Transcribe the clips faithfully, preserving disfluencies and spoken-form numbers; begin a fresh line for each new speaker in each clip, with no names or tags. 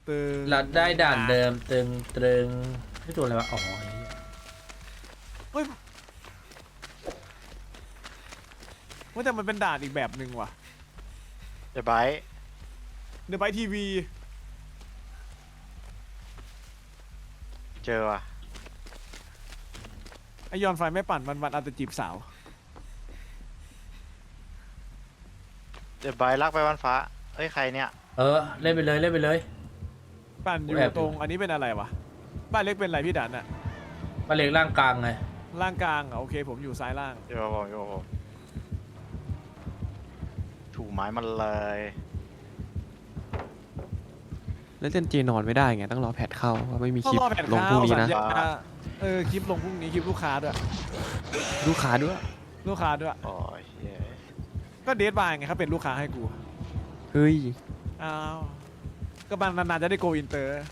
ตึง
เราได้ด่านเดิมตึงตรึงไม่ตัวอะไรวะอ๋อ
เฮ้ยว่าแต่มันเป็นด่านอีกแบบหนึ่งว่ะ
เดี๋ยวไบร์ท
เดอะไบทีวี
เจอว่ะ
ไอยอนไฟไม่ปั่นวันวันอาจจะจีบสาว
เดี๋ยวไบร์ทลากไปวันฟ้าเอ้ยใครเนี่ย
เออเล่นไปเลยเล่นไปเลย
ปั่นอยู่
แอบอยู่
ตรงอันนี้เป็นอะไรวะบ้านเล็กเป็นอะไรพี่ดันอะ
มาเล็กร่างกลางไง
ล่างกลางอะโอเคผมอยู่ซ้ายล่าง
โยโบโยโบถูไม้มันเลย
แล้วเจนเจนอนไม่ได้ไงต้องรอแพทเข้าเพราะไม่มีค
ต้อง
ลิป
รอแผ่น
ลง
ข้า
พรุ่
ว
งนี้
สัญ
นะ
ญาเออคลิปลงพรุ่งนี้คลิปลูกค้าด้วย
ลูกค้าด้วย
ลูกค้าด้วย
โอ้ยเฮ้ย
ก็เดทบายไงเขาเป็นลูกค้าให้กู
เฮ้ย
อ้าวก็บางนานๆจะได้โกอินเตอร์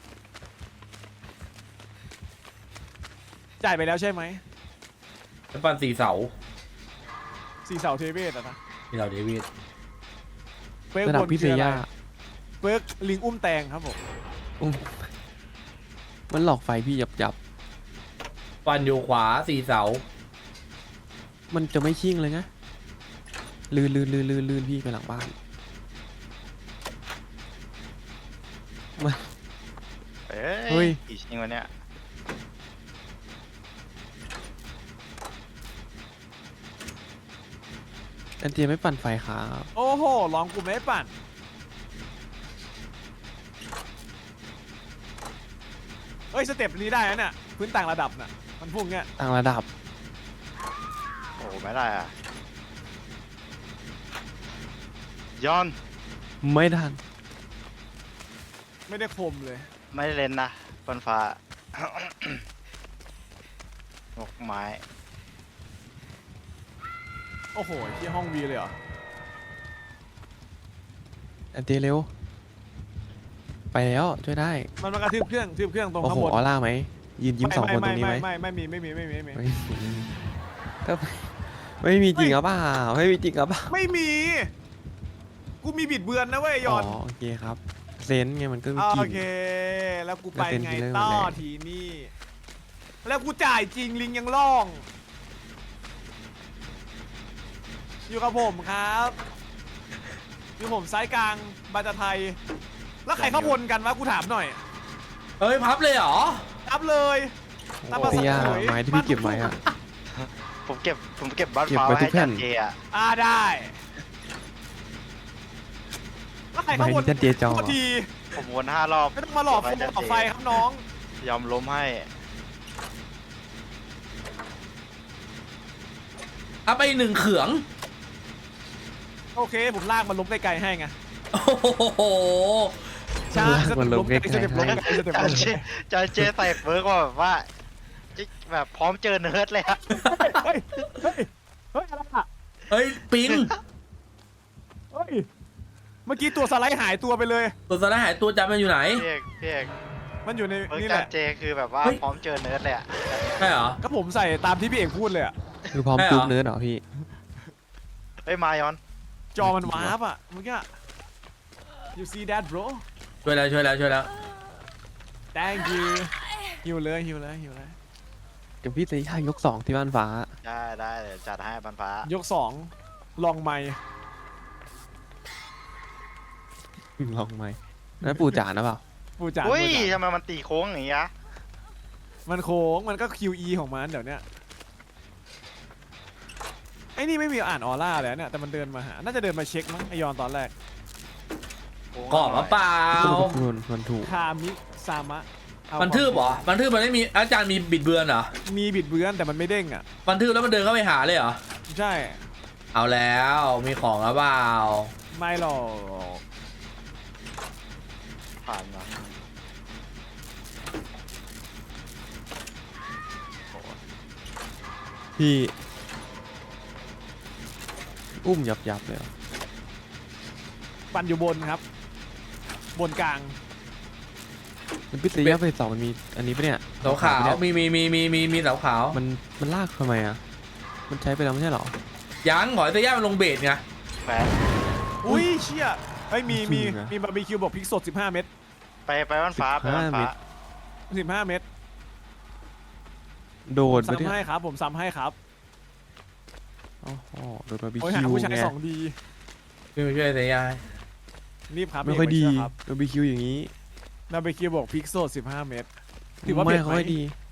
จ่ายไปแล้วใช่ไหม
แล้วปันสี่เสา
สี่เสาเทเวศอะนะ
ที่เราเดวิด
เปิร์ก
ระดับบ
น
พิเศ
คือ
ษ
อะไร
ย่า
เปิร์กลิงอุ้มแตงครับผม
อุ้มมันหลอกไฟพี่หยับยับ
ปันอยู่ขวาสี่เสา
มันจะไม่ชิ่งเลยนะลื่นลื่นลื่นลื่นลื่นพี่ไปหลังบ้านมัน
เอ้
เฮ้
ย
ย
กี่ชิงวันเนี้ย
เจนเจไม่ปั่นไฟครับ
โอ้โหร้องกูไม่ปั่นเอ้ยสเต็ปนี้ได้นะเนี่ยพื้นต่างระดับน่ะมันพุ่งเงี้ย
ต่างระดับ
โอ้โหไม่ได้อ่ะย้อน
ไม่ทัน
ไม่ได้คมเลย
ไม่ได้เล่นนะวันฟ้า นกไม้
โอ้โหที่ห้องวีเลยเหรอ
เจนเจเร็วไปแล้วช่วยได้
มันมากระทืบเครื่องทืบเครื่องตรง
โอ้
ข้า
โห
งบน
ออร่าไหมยืนยิ้มสองคนตรงนี้ไหม
ไม่ไม่ไม่ไม่มีไม่มีไม่มีไม่มี
ไม่มีก็ไม่มีจริงหรือเปล่าไม่มีจริงหรือเปล่า
ไม่มี กูมีบิดเบือนนะเว้ยย
อ๋อ
อน
โอเคครับเซนส์ไงมันก็มี
อ่า
จริ
โอง เค แล้วกูไป
แล้วเต้น
ไง
ที่เริ่ม
ต่อ
แรก
ทีนี่ แล้วกูจ่ายจริงลิงยังล่อง อยู่กับผมครับ อยู่ผมซ้ายกลางบาจาไทย แล้วใครเข้าวนกันวะกูถามหน่อย
เฮ้ยพับเลยเหรอ
รับเลยตามภา
พี่
ษา
ย่า
เขย
ไม้ที่พี่เก็บไว้อะ
ผมเก็บผมเก็บบ้าน
เก็บ
ฟ้า
ไว้
ไว้
ทุ
ให้
กแผ่
จั
น
นเจอ่ะ
อ่าได้ แล้วใคร
ไม้
เข้าวน
ที่เจนเจจอ
โทษที
ผมวนห้ารอบ
ไม่ต้องมาหลอกผมหลอกไฟครับน้อง
ยอมล้มให้
เอาไปหนึ่งเขือง
โอเค ผมลากมันล้มไกลๆให้ไง
โอ้โห
ใช่
ลากมันล้มไกลๆ
สเต็ปล้มไกลสเต็ป
จั
ล้
น
ม
เจ
ไกล
จันเจใส่เฟิร์กว่าแบบว่าแบบพร้อมเจอเนิร์ดเลยอะ
เฮ้ย เฮ้ย เฮ้ย อะไรอ่ะ
เฮ้ยปิง
เฮ้ย เมื่อกี้ตัวสไลด์หายตัวไปเลย
ตัวสไลด์หายตัวจำมันอยู่ไหน
พี่เอกพี่เอก
มันอยู่ใน
เฟิร์ก
นี่แห
จัน
ละ
เจคือแบบว่า
เฮ้ย
พร้อมเจอเนิร์ดเลยอะ
ใช่เหรอ
ก็ผมใส่ตามที่พี่เอกพูดเลยอ่ะ
คือพร้อม
ใช่เหรอ
จุ๊บเนื้อเหรอพี่
เฮ้ยมายอน
จอมันวาร์ปอ่ะเมื่อกี้ you see that bro
ช่วยแล้วช่วยแล้วช่วยแล้ว
thank you หิวเลยหิวเลยหิวเลย
เดี๋ยวพี่จะย่ายกสองที่บ้านฟ้า
ได้ได้เดี๋ยวจัดให้บันฟ้าย
กสองลองไม้
ลองไหมนั่นปู่จ๋านะเปล่า
ปูจ่า
อุ้ย
ปูจ่า
ทำไมมันตีโค้งอย่างงี้อะ
มันโค้งมันก็ คิว อี ของมันเดี๋ยวเนี้ยไอ้นี่ไม่มีอ่านออร่าเลยเนี่ยแต่มันเดินมาหา น่าจะเดินมาเช็คมั้งไอยอนตอนแรก
โค้ง
กรอบมาเปล่า
คุณมันถูก
คามิซามะเอา
มันทืบเหรอ มันทืบมันไม่มีอาจารย์มีบิดเบือนเหรอ
มีบิดเบือนแต่มันไม่เด้งอ่ะ
มันทืบแล้วมันเดินเข้าไปหาเลยเหรอ
ใช่
เอาแล้วมีของแล้วเปล่า
ไม่หรอก
ผ่านมาโอ้โห
พี่ อุ้มยับยับเลยเหรอ
ปั่นอยู่บนครับ บนกลาง
มันพิเศษย่าไปสองมันมีอันนี้ปะเนี่ย
เสาขาวมีมีมีมีมีมีเสาขาว
มันมันลากทำไมอ่ะมันใช้ไปแล้วไม่ใช่เหรอ
ยังหอยเตย่ามันลงเบสไง
แฟน
อุ้ยเชี่ยเฮ้ยมีมี
จริงนะ
มีบาร์บีคิวบอกพริกสดสิบห้าเม็ด
ไปไปบ้านฟ้าไปบ้าน
สิบห้า
ฟ้า
เมตร
สิบห้าเมตร
โดดไป
ซ้ำ
เนี่ย
ให้ครับ ผมซ้ำให้ครับ
อ๋อโดดบาร์บี
โอ้ยหา
คิว
ผู้ชาย
ไง
สองดี
พี่มาช่วยเสียยาย
รีบครับ
ไม่ค่อยดี
เกครับ
บาร์บีคิวอย่างนี้
นาเบคิวบอกพิกโซดสิบห้าเมตร ถือว่า
ไม่
เผ็ดไหม
ค่อยดี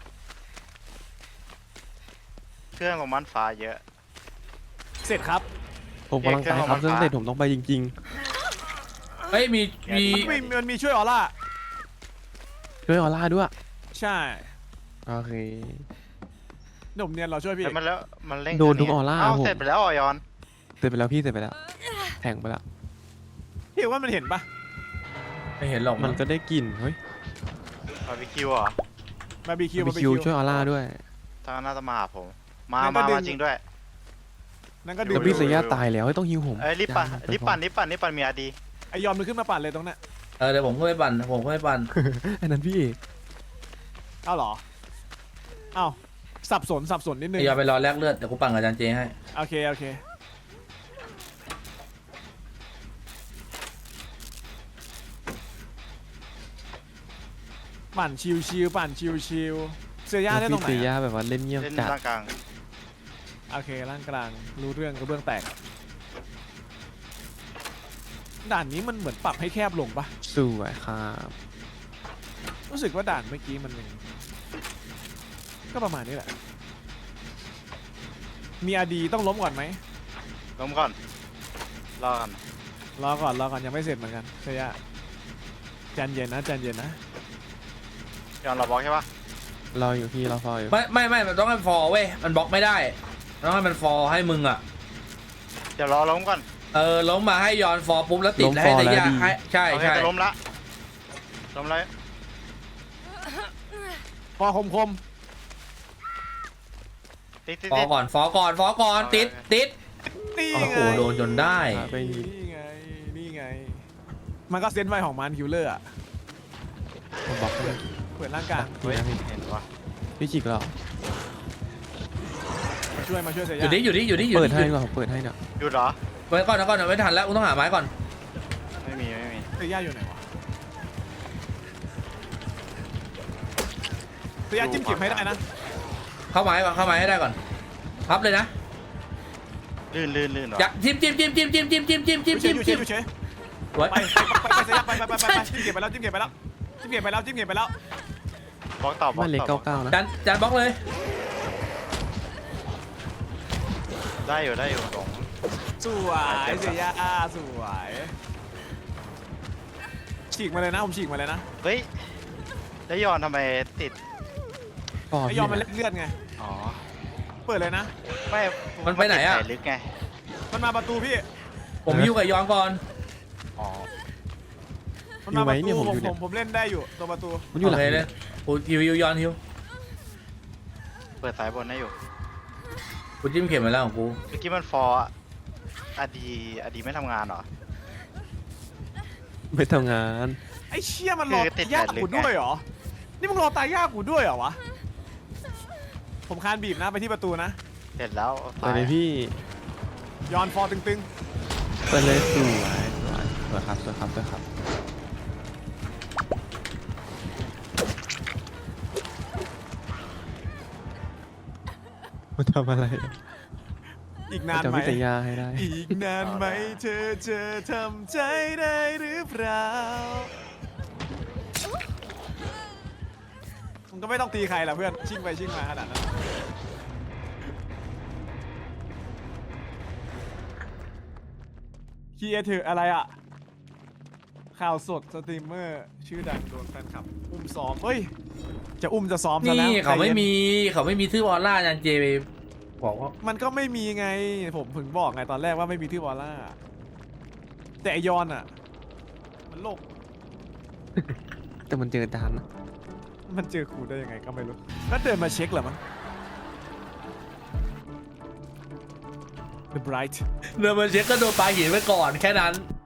เครื่องของบ้านฟ้าเยอะ
เสร็จครับ
ผมกำลังไปครับ
เครื่
เค
อ
รื่อง ง
ออกมา
เสร็จผมต้องไปจริง
เฮ้ยมีมี
มันมีมันมีช่วยออร่า
ๆช่วยออร่าด้วย
ใช่
โอเค
หนุ่มเนียนเราช่วยพี่
แล้วมันแล้วมันเร่ง
โดนทุก
เคง
ออร่า
เอ้า
ผม
เสร็จไปแล้วเหรอยอน
เสร็จไปแล้วพี่เสร็จไปแล้วแทงไปแล้ว
พี่ว่ามันเห็นปะ
ไม่เห็นหรอก
มันก็ได้กลิ่นเฮ้ย
บาร์บีคิวเหรอ
บาร์บีคิว
บาร์บีคิวช่วยออร่าด้วย
ทางน่าจะมาหาผม มา
งั้นก็
มา
ดึง
มาจริงด้วย
นั่นก็
ดู
ดึ
แต่
ง
พี่เซียาตายแล้วเฮ้ยต้องฮิวผม
เอ้ยรีบปั่น
ยัง
รีบปั่นรีบปั่นรีบปั่นมีอาดี
ไอยอมมันขึ้นมาปั่นเลยตรงนั้น
เออเดี๋ยวผมก็ไปปั่นผมก็ไปปั่น
อันนั้นพี่เอก
เอ้าเหรอเอ้าสับสนสับสนนิดนึง
ไอ้ยอมไปรอแลกเลือดเดี๋ยวกูปั่นกับอาจารย์เจให้
โอเคโอเคปั่นชิวชิวๆปั่นชิวชิวๆเสียย่าได้ตรง
พี่
ไหน
เซียา
อะ
แบบว่าเล่นเงียบ
เล่น
จัด
ร่างกลาง
โอเคร่างกลางรู้เรื่องกระเบื้องแตกด่านนี้มันเหมือนปรับให้แคบลงปะ
สวยครับ
รู้สึกว่าด่านเมื่อกี้มันยังก็ประมาณนี้แหละ มีอาดีต้องล้มก่อนไหม
ล้มก่อนรอกัน
รอก่อนรอก่อนยังไม่เสร็จเหมือนกันเสียใจเย็นนะใจเย็นนะ
ยอนเราบล็อกใช่ปะ
รออยู่พี่รอฟออยู่
ไม่ไม่ไม่มันต้องให้ฟอร์เว้ยมันบล็อกไม่ได้ต้องให้มันฟอร์ให้มึงอ่ะ
เดี๋ยวรอล้มก่อน
เออล้มมาให้ย้อนฟอร์ปุ๊บแล้วติดแล้วให้เสียยาให้ใช่
โอเค
ใช่
จะล้มละล้มเลย
พอคมคม
ติดติด
ฟอ
ติด
ร์ก่อนฟอร์ก่อนฟอร์ก่อนติดติด
ๆนี่
โอ้
ไง
โหโดนจนได้
ไปนี่
นี่ไงนี่ไง มันก็เซนส์ไวของมันคิวเลอร์อะ
ผมบอกให้
เปิดร่างกาย
เฮ้ยเห็นปะ
พี่จิกเหรอ
มาช่วยมาช่วยเสีย
อยู่ดิอยู่ดิอยู่ดิอยู่
เปิด
ดิ
ให้ดีกว่าผมเปิดให้เนี่ย
หยุดเหรอ
ไว้ก่อนนะก่อนเดี๋ยวไม่ทันแล้วกูต้องหาไม้ก่อน
ไม่มีไม่มี
เสียอยู่ไหนวะเสียจิ้มเก็บให้ได้นะ
เข้าไม้ก่อนเข้าไม้ให้ได้ก่อนพับเลยนะ
ลื่นลื่นลื่นเหรอ
อย่าจิ้มจิ้มจิ้มจิ้มจิ้มจิ้มจิ้มจิ้มจิ้ม
อยู่เฉ
จิ้
ย
ม
อยู่เฉ
จิ้
ย
ม
อยู่เฉย
ไว้
ไปไปไปไปเสียไปไปไปไปไปจิ้มเก็บไปแล้วจิ้มเก็บไปแล้วจิ้มเก็บไปแล้วจิ้มเก็บไปแล้ว
บล็อกต่อบล็อก
บ้านเล็ก
ต่อ
เก้าเก้านะ
จานจานบล็อกเลย
ได้อยู่ได้อยู่สอง
สวยเสียสวยฉีกมาเลยนะผมฉีกมาเลยนะ
เฮ้ยแล้วยอนทำไมติด
ฟอ
ไอย
พี่
อมมัน
เนี่
เลื
ย
อดไง
อ๋อ
เปิดเลยนะ
ไม่
มันไปไหนอะ
ติดสายลึกไง
มันมาประตูพี่
ผมยิ้วกับย้อนก่อน
อ๋อ
มันมาประตูผมผมผมเล่นได้อยู่ตัวประตู
มันอยู่ห
โอ
ลัง
เคเลยกูฮิวฮิวย้อนฮิว
เปิดสายบนได้อยู่
กูจิ้มเข็มไปแล้วของกู
เมื่อกี้มันฟอร์อะอดีอดีไม่ทำงานเหรอ
ไม่ทำงาน
ไอ้เชี่ยมันรอ
คือติด
ตายยาก
แต่ลึก
กู
ไง
ด้วยเหรอ นี่มึงรอตายยากกูด้วยเหรอวะ ผมคานบีบนะไปที่ประตูนะ
เสร็จแล้ว
เปิดเลยพี่
ย้อนฟอร์ตึง
เปิดเลยสวยสวยสวยครับสวยครับสวยครับมันทำอะไร
ๆ อีกนาน
จะ
ไหม
พิจารณาให้ได้
อีกนานไหมเธอจะทำใจได้หรือเปล่ามึงก็ไม่ต้องตีใครละเพื่อน ชิ่งไปชิ่งมาขนาดนั้นเคียร์เถอะอะไรอ่ะ ข่าวสดสตรีมเมอร์ ชื่อดังโดนแฟนคลับ อุ้มซ้อม เฮ้ย จะอุ้มจะซ้อมซะแล้ว
นี่เขาไม่
ใจย็น
มีเขาไม่มีทื่อวอลล่าอาจารย์เจไปบอกว่า
มันก็ไม่มีไง ผมถึงบอกไงตอนแรกว่าไม่มีที่วอลล่า แต่ไอยอนอ่ะ มันโลก
แต่มันเจอดานนะ
มันเจอครูได้ยังไงก็ไม่รู้ก็เดินมาเช็คเหรอมั้ง The Bright
เดินมาเช็คก็โดนปลาหินไปก่อนแค่นั้น